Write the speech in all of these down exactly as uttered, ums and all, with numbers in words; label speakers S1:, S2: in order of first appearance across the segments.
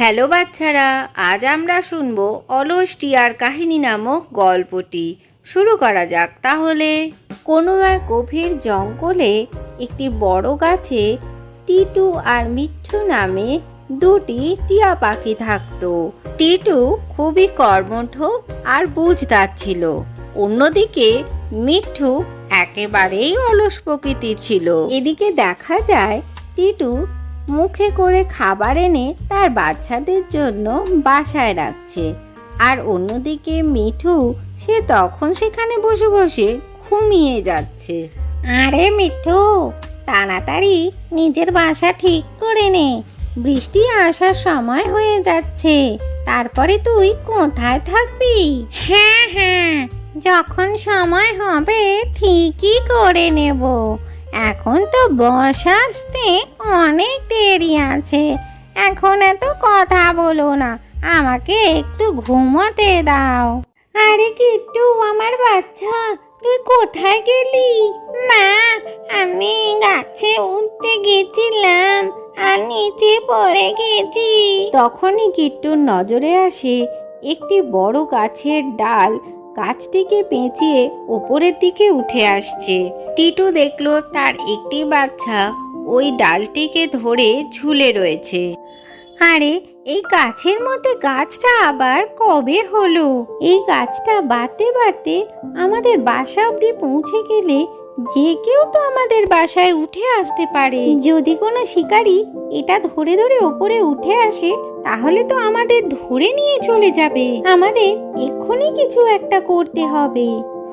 S1: Hello বাচ্চারা, আজ আমরা শুনবো অলস টিয়ার কাহিনী নামক গল্পটি। শুরু করা যাক তাহলে। কোনো এক গভীর জঙ্গলে একটি বড় গাছে টিটু আর মিঠু নামে দুটি টিয়া পাখি থাকতো। টিটু খুবই কর্মঠ আর বুঝদার ছিল, অন্যদিকে মিঠু একেবারেই অলস প্রকৃতির ছিল। এদিকে দেখা যায় টিটু মুখে করে খাবার এনে তার বাচ্চাদের জন্য বাসায় রাখছে, আর অন্যদিকে মিঠু সে তখন সেখানে বসে বসে ঘুমিয়ে যাচ্ছে। আরে মিঠু, তাড়াতাড়ি নিজের বাসা ঠিক করে নে, বৃষ্টি আসার সময় হয়ে যাচ্ছে। তারপরে তুই কোথায় থাকবি? হ্যাঁ হ্যাঁ, যখন সময় হবে ঠিকই করে নেব। এখন তো বর্ষা আসতে অনেক দেরি আছে, এখন এত কথা বলো না, আমাকে একটু ঘুমোতে দাও। আরে কিট্টু আমার বাচ্চা, তুই কোথায় গেলি? মা, আমি গাছে উঠতে গেছিলাম আর নিচে পড়ে গেছি। তখনই কিট্টুর নজরে আসে একটি বড় গাছের ডাল গাছটিকে পেঁচিয়ে উপরের দিকে উঠে আসছে। টিটু দেখলো তার একটি বাচ্চা ওই ডালটিকে ধরে ঝুলে রয়েছে। আরে এই গাছের মধ্যে গাছটা আবার কবে হলো? এই গাছটা বাড়তে বাড়তে আমাদের বাসা অবধি পৌঁছে গেলে যে কেউ তো আমাদের বাসায় উঠে আসতে পারে। যদি কোনো শিকারী এটা ধরে ধরে ওপরে উঠে আসে তাহলে তো আমাদের ধরে নিয়ে চলে যাবে। আমাদের এক্ষুনি কিছু একটা করতে হবে।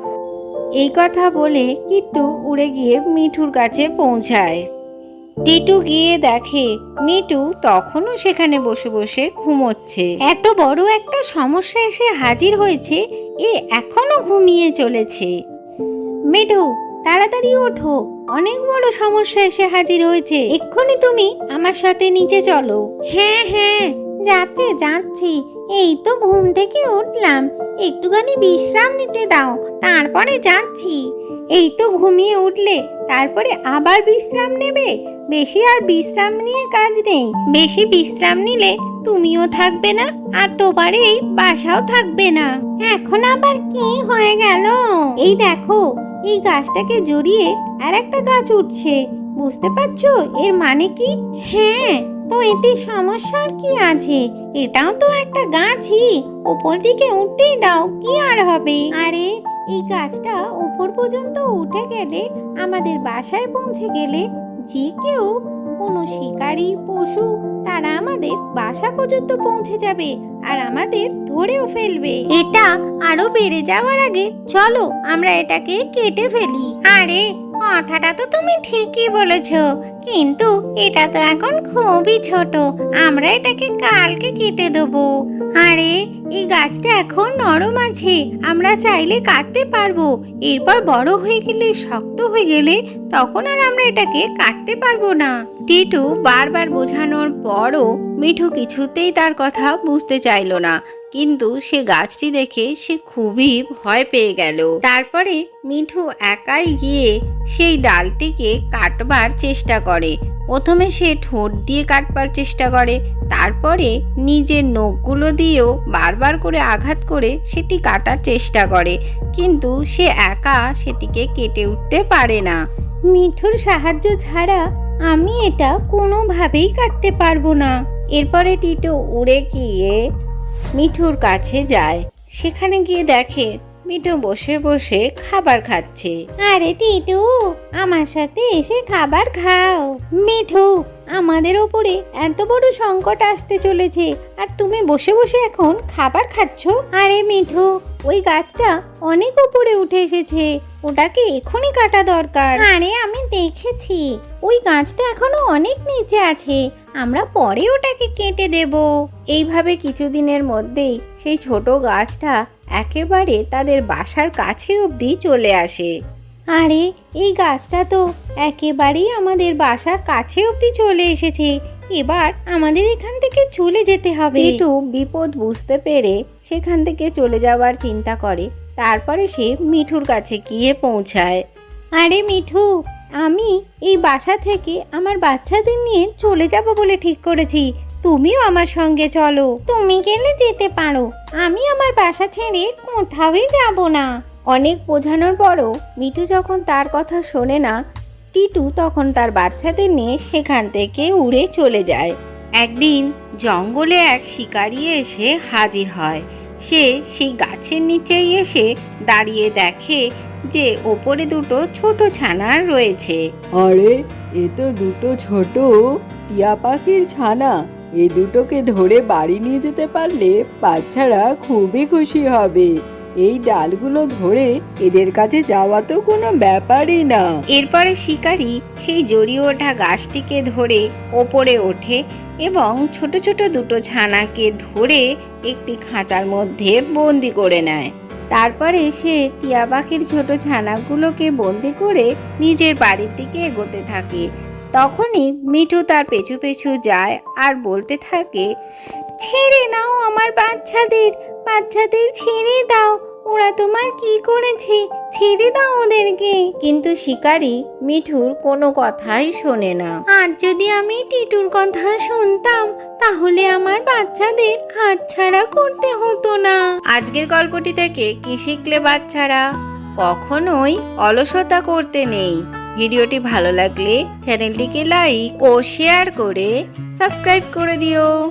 S1: এই কথা বলে কিট্টু উড়ে গিয়ে মিঠুর কাছে পৌঁছায়। টিটু গিয়ে দেখে মিঠু তখনও সেখানে বসে বসে ঘুমোচ্ছে। এত বড় একটা সমস্যা এসে হাজির হয়েছে, এ এখনো ঘুমিয়ে চলেছে। মিঠু তাড়াতাড়ি ওঠো, অনেক বড় সমস্যা এসে হাজির হয়েছে, এক্ষুনি তুমি আমার সাথে নিচে চলো। হ্যাঁ হ্যাঁ যাচ্ছে যাচ্ছি, এই তো ঘুম থেকে উঠলাম, একটুখানি বিশ্রাম নিতে দাও, তারপরে যাচ্ছি। এই তো ঘুমিয়ে উঠলে, তারপরে আবার বিশ্রাম নেবে? বেশি আর বিশ্রাম নিয়ে কাজ নেই, বেশি বিশ্রাম নিলে তুমিও থাকবে না আর তোমার এই বাসাও থাকবে না। এখন আবার কি হয়ে গেল? এই দেখো, এই গাছটাকে জড়িয়ে আর একটা গাছ উঠছে, বুঝতে পারছো এর মানে কি? হ্যাঁ, তো এতে সমস্যার কি আছে? এটাও তো একটা গাছই, ওপর দিকে উঠতেই দাও, কি আর হবে? আরে এই গাছটা উপর পর্যন্ত উঠে গেলে, আমাদের বাসায় পৌঁছে গেলে যে কেউ, কোনো শিকারী পশু, তারা আমাদের বাসা পর্যন্ত পৌঁছে যাবে আর আমাদের ধরেও ফেলবে। এটা আরো বেড়ে যাওয়ার আগে চলো আমরা এটাকে কেটে ফেলি। আরে কথাটা তো তুমি ঠিকই বলেছো, কিন্তু এটা তো এখন খুবই ছোট, আমরা এটাকে কালকে কেটে দেবো। আরে এই গাছটা এখন নরম আছে, আমরা চাইলে কাটতে পারবো, এরপর বড় হয়ে গেলে, শক্ত হয়ে গেলে তখন আর আমরা এটাকে কাটতে পারবো না। টিটু বারবার বোঝানোর পরও মিঠু কিছুতেই তার কথা বুঝতে চাইল না, কিন্তু সে গাছটি দেখে সে খুবই ভয় পেয়ে গেল। তারপরে মিঠু একাই গিয়ে সেই ডালটিকে কাটবার চেষ্টা করে। প্রথমে সে ঠোঁট দিয়ে কাটবার চেষ্টা করে, তারপরে নিজের নখগুলো দিয়েও বারবার করে আঘাত করে সেটি কাটার চেষ্টা করে, কিন্তু সে একা সেটিকে কেটে উঠতে পারে না। মিঠুর সাহায্য ছাড়া আমি এটা কোনোভাবেই কাটতে পারবো না। এরপরে টিটু উড়ে গিয়ে মিঠুর কাছে যায়, সেখানে গিয়ে দেখে মিঠু বসে বসে খাবার খাচ্ছে। আরে টিটু, আমার সাথে এসে খাবার খাও। মিঠু, আমাদের ওপরে এত বড় সংকট আসতে চলেছে আর তুমি বসে বসে এখন খাবার খাচ্ছ? আরে মিঠু, ওই গাছটা অনেক উপরে উঠে এসেছে, ওটাকে এখনই কাটা দরকার। আরে আমি দেখেছি, ওই গাছটা এখনো অনেক নিচে আছে, আমরা পরে ওটাকে কেটে দেব। এইভাবে কিছুদিনের মধ্যেই সেই ছোট গাছটা একেবারে তাদের বাসার কাছে অবধি চলে আসে। আরে এই গাছটা তো একেবারেই আমাদের বাসার কাছে অবধি চলে এসেছে, এবার আমাদের এখান থেকে চলে যেতে হবে। টিটু বিপদ বুঝতে পেরে সেখান থেকে চলে যাওয়ার চিন্তা করে, তারপরে সে মিঠুর কাছে গিয়ে পৌঁছায়। আরে মিঠু, আমি এই বাসা থেকে আমার বাচ্চাদের নিয়ে চলে যাব বলে ঠিক করেছি, তুমিও আমার সঙ্গে চলো। তুমি গেলে যেতে পারো, আমি আমার বাসা ছেড়ে কোথাওই যাব না। অনেক বোঝানোর পরও মিঠু যখন তার কথা শোনে না, টিটু তখন তার বাচ্চাদের নিয়ে সেখান থেকে উড়ে চলে যায়। একদিন জঙ্গলে এক শিকারি এসে হাজির হয়। সে সেই গাছের নিচেই এসে দাঁড়িয়ে দেখে যে ওপরে দুটো ছোট ছানা রয়েছে।
S2: আরে, এ তো দুটো ছোট টিয়া পাখির ছানা। এই দুটোকে ধরে বাড়ি নিয়ে যেতে পারলে বাচ্চারা খুবই খুশি হবে। এই ডালগুলো ধরে এদের কাছে যাওয়া তো কোনো ব্যাপারই না।
S1: এরপরে শিকারি সেই জড়িয়ে ওঠা গাছটিকে ধরে ওপরে ওঠে এবং ছোট ছোট দুটো ছানাকে ধরে একটি খাঁচার মধ্যে বন্দি করে নেয়। তারপরে সে টিয়া পাখির ছোট ছানাগুলোকে বন্দি করে নিজের বাড়ির দিকে এগোতে থাকে। তখনই মিঠু তার পেছু পেছু যায় আর বলতে থাকে, ছেড়ে দাও আমার বাচ্চাদের, বাচ্চাদের ছেড়ে দাও, ওরা তোমার কি করেছে, ছেড়ে দাও ওদেরকে। কিন্তু শিকারি মিঠুর কোনো কথাই শোনে না। আজ যদি আমি টিটুর কথা শুনতাম তাহলে আমার বাচ্চাদের হাতছাড়া করতে হতো না। আজকের গল্পটি থেকে কি শিখলে বাচ্চারা? কখনোই অলসতা করতে নেই। ভিডিওটি ভালো লাগলে চ্যানেলটিকে লাইক ও শেয়ার করে সাবস্ক্রাইব করে দিও।